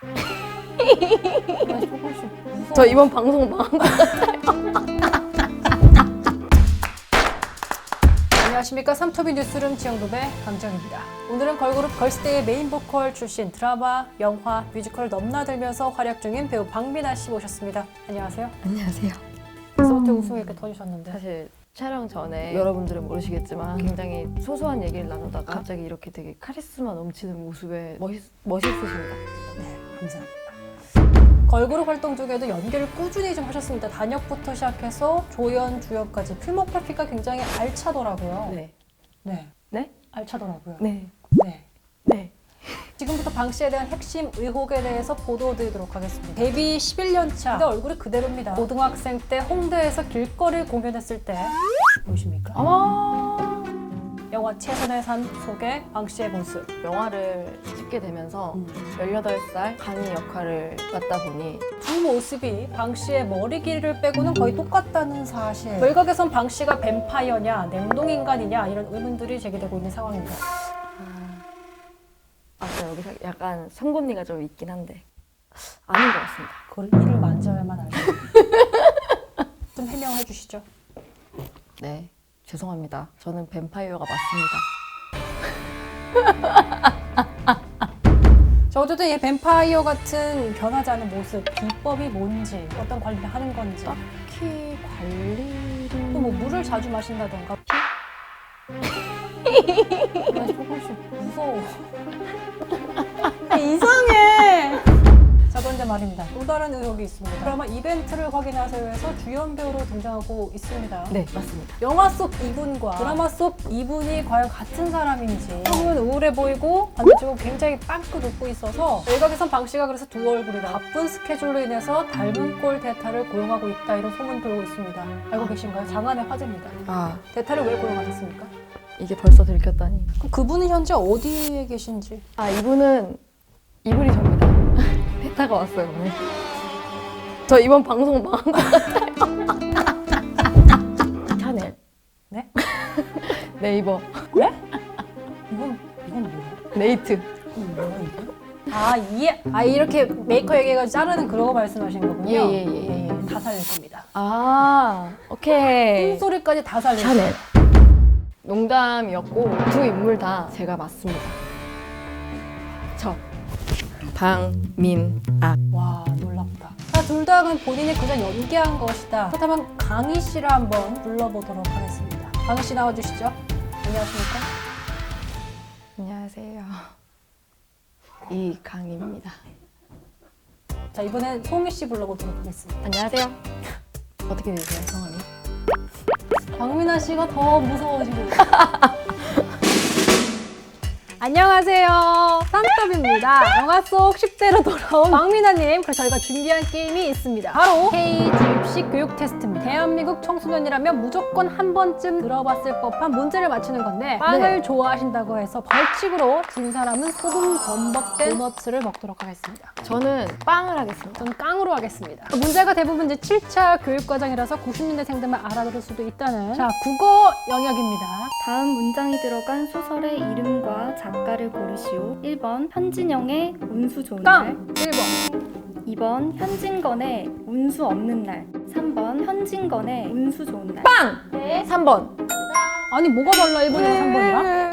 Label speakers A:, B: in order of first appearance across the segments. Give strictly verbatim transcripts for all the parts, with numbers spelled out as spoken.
A: 저 이번 방송 망한 거
B: 안녕하십니까. 삼토비 뉴스룸 지영도배 강정입니다. 오늘은 걸그룹 걸스데이의 메인 보컬 출신 드라마, 영화, 뮤지컬을 넘나들면서 활약 중인 배우 박미나 씨 모셨습니다. 안녕하세요.
A: 안녕하세요.
B: 벌써부터 웃음이 이렇게 터지셨는데.
A: 사실 촬영 전에 여러분들은 모르시겠지만 굉장히 소소한 얘기를 나누다가 갑자기 이렇게 되게 카리스마 넘치는 모습에 멋있, 멋있으십니다.
B: 네, 감사합니다. 걸그룹 활동 중에도 연기를 꾸준히 좀 하셨습니다. 단역부터 시작해서 조연, 주연까지 필모그래피가 굉장히 알차더라고요.
A: 네.
B: 네.
A: 네?
B: 알차더라고요.
A: 네.
B: 네.
A: 네.
B: 지금부터 방 씨에 대한 핵심 의혹에 대해서 보도드리도록 하겠습니다. 데뷔 십일 년 차. 근데 얼굴이 그대로입니다. 고등학생 때 홍대에서 길거리 공연했을 때 보이십니까?
A: 아마
B: 영화 최선의 산 속의 방 씨의 모습.
A: 영화를 찍게 되면서
B: 음.
A: 열여덟 살 강희 역할을 맡다 보니
B: 두 모습이 방 씨의 머리 길이를 빼고는 거의 똑같다는 사실. 외곽에선 방 씨가 뱀파이어냐, 냉동인간이냐 이런 의문들이 제기되고 있는 상황입니다.
A: 아까 여기서 약간 송곳니가 좀 있긴 한데 아닌 것 같습니다.
B: 그걸 이를 만져야만 알죠. 좀 해명해 주시죠.
A: 네, 죄송합니다. 저는 뱀파이어가 맞습니다.
B: 자, 어쨌든 이 뱀파이어 같은 변하지 않은 모습, 비법이 뭔지, 어떤 관리를 하는 건지.
A: 딱히 관리를...
B: 또 뭐 물을 자주 마신다던가. 나 조금씩 무서워. 이상해. 자, 그런데 말입니다. 또 다른 의혹이 있습니다. 드라마 이벤트를 확인하세요에서 주연 배우로 등장하고 있습니다.
A: 네, 맞습니다.
B: 영화 속 이분과 드라마 속 이분이 과연 같은 사람인지. 처음은 우울해 보이고 반대쪽은 굉장히 빵긋 웃고 있어서 외곽에선 방 씨가 그래서 두 얼굴이다. 바쁜 스케줄로 인해서 닮은 꼴 대타를 고용하고 있다. 이런 소문 돌고 있습니다. 알고 계신가요? 장안의 화제입니다.
A: 아,
B: 대타를 왜 고용하셨습니까?
A: 이게 벌써 들켰다니.
B: 그럼 그분은 현재 어디에 계신지.
A: 아, 이분은 이분이 접니다. 대타가 왔어요, 오늘. 저 이번 방송 망한 거 같아요. 샤넬.
B: 네?
A: 네이버.
B: 네? 이건 이건 뭐야?
A: 네이트.
B: 이건 뭐야 이게? 아, 이해. 아, 이렇게 메이커 얘기해가지고 자르는 그런 거 말씀하시는 거군요.
A: 예, 예, 예.
B: 예, 다 살릴 겁니다.
A: 아, 오케이.
B: 소리까지 다 살릴
A: 샤넬. 농담이었고 두 인물 다 제가 맞습니다. 저 방민아.
B: 와, 놀랍다. 자, 둘 다는 본인이 그냥 연기한 것이다. 그렇다면 강희 씨를 한번 불러보도록 하겠습니다. 강희 씨 나와주시죠. 안녕하십니까?
A: 안녕하세요. 이강희입니다.
B: 자, 이번엔 송희 씨 불러보도록 하겠습니다.
A: 안녕하세요. 어떻게 되세요, 성함이?
B: 박민아 씨가 더 무서워지고 있어요. 안녕하세요. 산더비입니다. 영화 속 십 대로 돌아온 박민아님. 그래서 저희가 준비한 게임이 있습니다. 바로 K-주입식 교육 테스트입니다. 대한민국 청소년이라면 무조건 한 번쯤 들어봤을 법한 문제를 맞추는 건데 빵을
A: 네.
B: 좋아하신다고 해서 벌칙으로 진 사람은 소금 범벅된 도너츠를 먹도록 하겠습니다.
A: 저는 빵을 하겠습니다.
B: 저는 깡으로 하겠습니다. 문제가 대부분 이제 칠 차 교육과정이라서 구십 년대생들만 알아들을 수도 있다는 자, 국어 영역입니다.
C: 다음 문장이 들어간 소설의 이름과 작가를 고르시오. 일 번 현진영의 운수 좋은 날.
B: 깡! 일 번.
C: 이 번 현진건의 운수 없는 날. 삼 번 현진건의 운수 좋은 날.
A: 빵! 삼 번.
B: 아니 뭐가 달라 일 번이랑 삼 번이랑?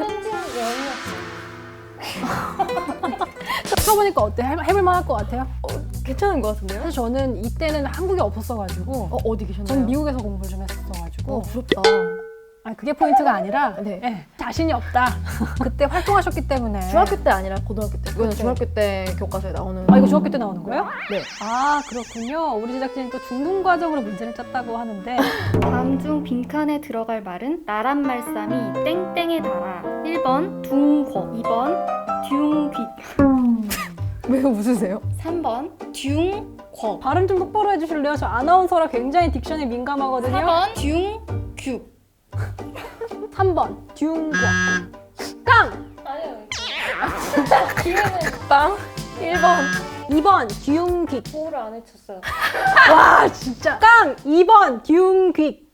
B: 쳐보니까 어때? 해- 해볼 만할 것 같아요?
A: 괜찮은 것 같은데요?
B: 사실 저는 이때는 한국에 없었어가지고
A: 어, 어디 계셨나요?
B: 전 미국에서 공부를 좀 했었어가지고
A: 어, 부럽다.
B: 아니 그게 포인트가 아니라
A: 네.
B: 예, 자신이 없다. 그때 활동하셨기 때문에
A: 중학교 때 아니라 고등학교 때. 이거는
B: 그때.
A: 중학교 때 교과서에 나오는.
B: 아 이거 중학교 때 나오는 거예요?
A: 네.
B: 아 그렇군요. 우리 제작진이 또 중등 과정으로 문제를 짰다고 하는데
C: 다음 중 빈칸에 들어갈 말은 나란 말씀이 땡땡에 달아. 일 번 둥궈. 이 번 듀귀.
A: 왜 웃으세요?
C: 삼 번 듀궈.
B: 발음 좀 똑바로 해주실래요? 저 아나운서라 굉장히 딕션에 민감하거든요.
C: 사 번 듀규.
B: 삼 번 듀과 깡!
A: 빵? 일 번.
B: 이 번 듀귀
C: 호를 안 해쳤어요.
B: 와 진짜 깡! 이 번 듀귀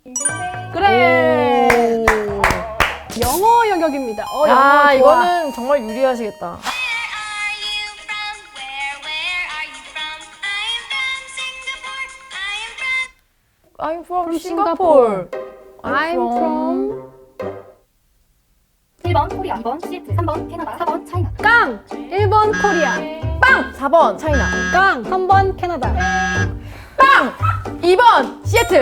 B: 그래 영어 영역입니다. 어, 영어
A: 아,
B: 좋아.
A: 이거는 정말 유리하시겠다. I'm from
B: From
A: Singapore.
B: I'm from
C: 일 번 코리아, 이 번 시애틀, 삼 번 캐나다, 사 번 차이나.
B: 깡! 일 번 코리아.
A: 빵! 사 번 차이나.
B: 깡! 삼 번 캐나다.
A: 빵! 이 번 시애틀.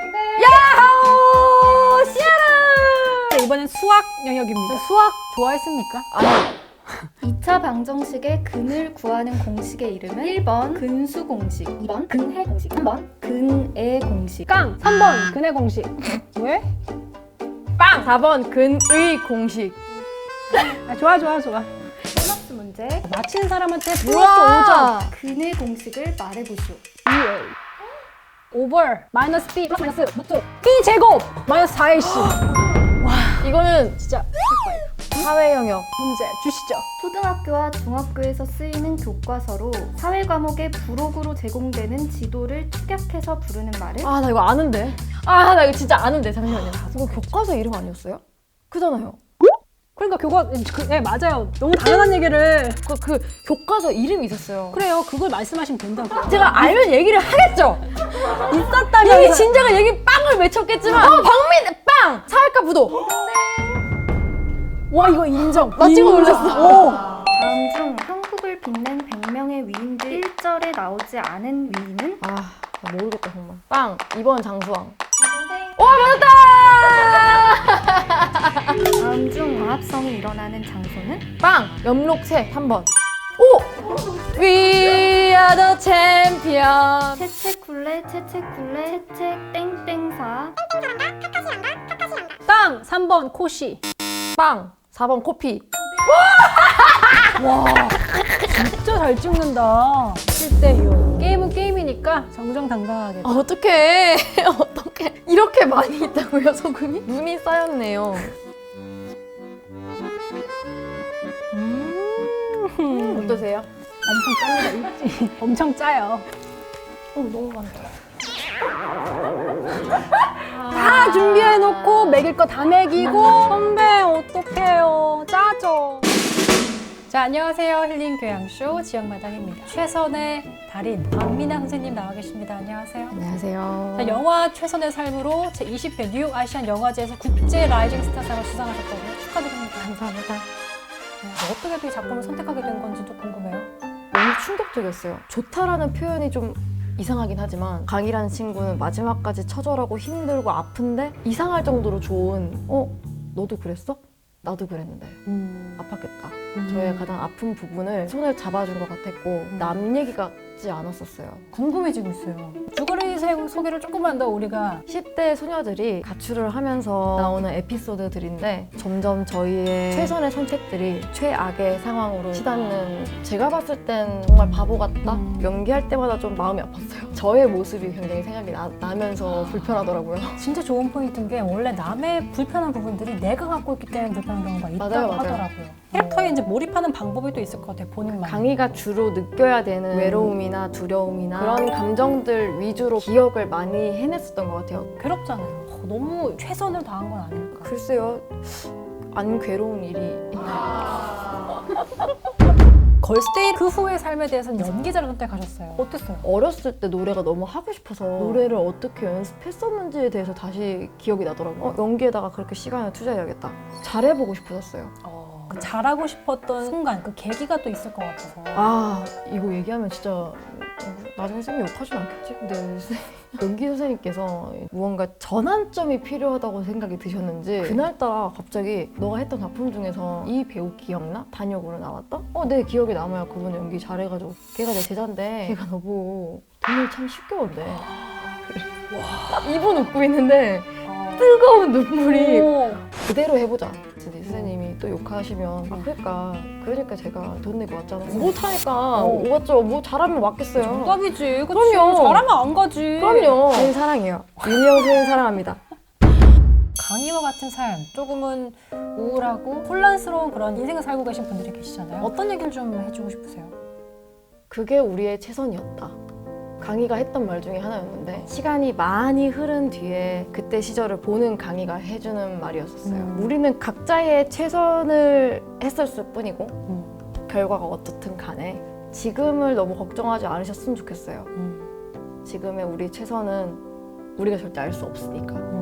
A: 야호! 시애틀!
B: 이번엔 수학 영역입니다. 수학 좋아했습니까?
A: 아니,
C: 이 차 방정식의 근을 구하는 공식의 이름은 일 번 근수 공식, 이 번 근해 공식, 삼 번 근의 공식.
B: 깡! 삼 번 근의 공식. 왜?
A: 빵! 사 번 근의 공식.
B: 아, 좋아 좋아 좋아.
C: 보너스 문제.
B: 맞히는 사람한테 플러스
A: 우와!
B: 오 점.
C: 근의 공식을 말해보시오.
B: 오버 마이너스 b 플러스 마이너스 루트 b 제곱 마이너스 사 에이씨.
A: 이거는
B: 진짜
A: 사회 영역.
B: 문제 주시죠.
C: 초등학교와 중학교에서 쓰이는 교과서로 사회 과목의 부록으로 제공되는 지도를 축약해서 부르는 말을
A: 아, 나 이거 아는데. 아, 나 이거 진짜 아는데. 잠시만요. 이거 교과서 이름 아니었어요? 그잖아요.
B: 그러니까 교과 그, 네 맞아요. 너무 당연한 얘기를.
A: 그, 그 교과서 이름이 있었어요.
B: 그래요. 그걸 말씀하시면 된다고.
A: 제가 알면 얘기를 하겠죠.
B: 있었다면
A: 이미 진작에 얘기 빵을 외쳤겠지만. 어, 박민 빵. 사회과 부도.
B: 와 이거 인정.
A: 나 찍어
B: 인정.
A: 올렸어.
B: 오.
C: 다음 중 한국을 빛낸 백 명의 위인들 일 절에 나오지 않은 위인은
A: 아, 나 모르겠다 정말. 빵. 이 번 장수왕.
C: 다음 중 광합성이 일어나는 장소는
A: 빵. 염록새 삼 번. 오. We are the champion.
C: 채채쿨레 채채쿨레 채채 땡땡사.
B: 땅 삼 번 코시.
A: 빵. 사 번 코피.
B: 와 진짜 잘 찍는다. 칠 대 육. 게임은 게임이니까 정정당당하게.
A: 아, 어떡해. 어떡해. 이렇게 많이 있다고요, 소금이? 눈이 쌓였네요.
B: 음.
A: 어떠세요?
B: 엄청 짭니다. 엄청 짜요.
A: 어, 너무 많다.
B: 다 준비해놓고 먹일 거 다 먹이고 선배 어떡해요. 짜죠. 자 안녕하세요. 힐링 교양쇼 지역마당입니다. 최선의 달인 박민아 선생님 나와 계십니다. 안녕하세요.
A: 안녕하세요.
B: 자, 영화 최선의 삶으로 제이십 회 뉴욕 아시안 영화제에서 국제 라이징 스타상을 수상하셨다고요. 축하드립니다.
A: 감사합니다.
B: 네, 어떻게 이 작품을 선택하게 된 건지도 궁금해요.
A: 너무 충격적이었어요. 좋다라는 표현이 좀 이상하긴 하지만 강이라는 친구는 마지막까지 처절하고 힘들고 아픈데 이상할 정도로 좋은 어? 너도 그랬어? 나도 그랬는데
B: 음.
A: 아팠겠다.
B: 음.
A: 저의 가장 아픈 부분을 손을 잡아준 것 같았고 남 얘기 같지 않았었어요.
B: 궁금해지고 있어요. 주거리 세- 소개를 조금만 더 우리가
A: 십 대 소녀들이 가출을 하면서 나오는 에피소드들인데 점점 저희의 최선의 선택들이 최악의 상황으로 치닫는 제가 봤을 땐 정말 바보 같다?
B: 음.
A: 연기할 때마다 좀 마음이 아팠어요. 저의 모습이 굉장히 생각이 나, 나면서 불편하더라고요.
B: 진짜 좋은 포인트인 게 원래 남의 불편한 부분들이 내가 갖고 있기 때문에 불편한 경우가 있다고
A: 맞아요, 맞아요.
B: 하더라고요. 캐릭터에 이제 몰입하는 방법이 또 있을 것 같아요. 본인만.
A: 강희가 주로 느껴야 되는 외로움이나 두려움이나 그런 감정들 위주로 기억을 많이 해냈었던 것 같아요.
B: 괴롭잖아요. 어, 너무 최선을 다한 건 아닐까.
A: 글쎄요, 안 괴로운 일이
B: 걸스데이 그 후의 삶에 대해서는 연기자를 선택하셨어요. 어땠어요?
A: 어렸을 때 노래가 너무 하고 싶어서 노래를 어떻게 연습했었는지에 대해서 다시 기억이 나더라고요. 어, 연기에다가 그렇게 시간을 투자해야겠다. 잘해보고 싶어졌어요.
B: 어, 그 잘하고 싶었던 순간, 그 계기가 또 있을 것 같아서.
A: 아, 이거 얘기하면 진짜 어, 나중에 쌤이 욕하진 않겠지? 근데 쌤- 연기 선생님께서 무언가 전환점이 필요하다고 생각이 드셨는지 그날따라 갑자기 너가 했던 작품 중에서 이 배우 기억나? 단역으로 나왔던? 어, 내 기억에 남아요. 그분 연기 잘해가지고 걔가 내 제자인데 걔가 너보고 돈을 참 쉽게 번대. 그래. 입은 웃고 있는데
B: 어.
A: 뜨거운 눈물이
B: 오.
A: 그대로 해보자. 근데 선생님이 또 욕하시면 아 그러니까 그러니까 제가 돈 내고 왔잖아. 못하니까
B: 어.
A: 왔죠. 뭐 잘하면 왔겠어요.
B: 정답이지. 그치?
A: 그럼요.
B: 잘하면 안 가지.
A: 그럼요. 선생님 사랑해요. 윤희영 선생님 사랑합니다.
B: 강희와 같은 삶, 조금은 우울하고 혼란스러운 그런 인생을 살고 계신 분들이 계시잖아요. 어떤 얘기를 좀 해주고 싶으세요?
A: 그게 우리의 최선이었다. 강희가 했던 말 중에 하나였는데 시간이 많이 흐른 뒤에 그때 시절을 보는 강희가 해주는 말이었었어요.
B: 음.
A: 우리는 각자의 최선을 했었을 뿐이고
B: 음.
A: 결과가 어떻든 간에 지금을 너무 걱정하지 않으셨으면 좋겠어요.
B: 음.
A: 지금의 우리 최선은 우리가 절대 알 수 없으니까.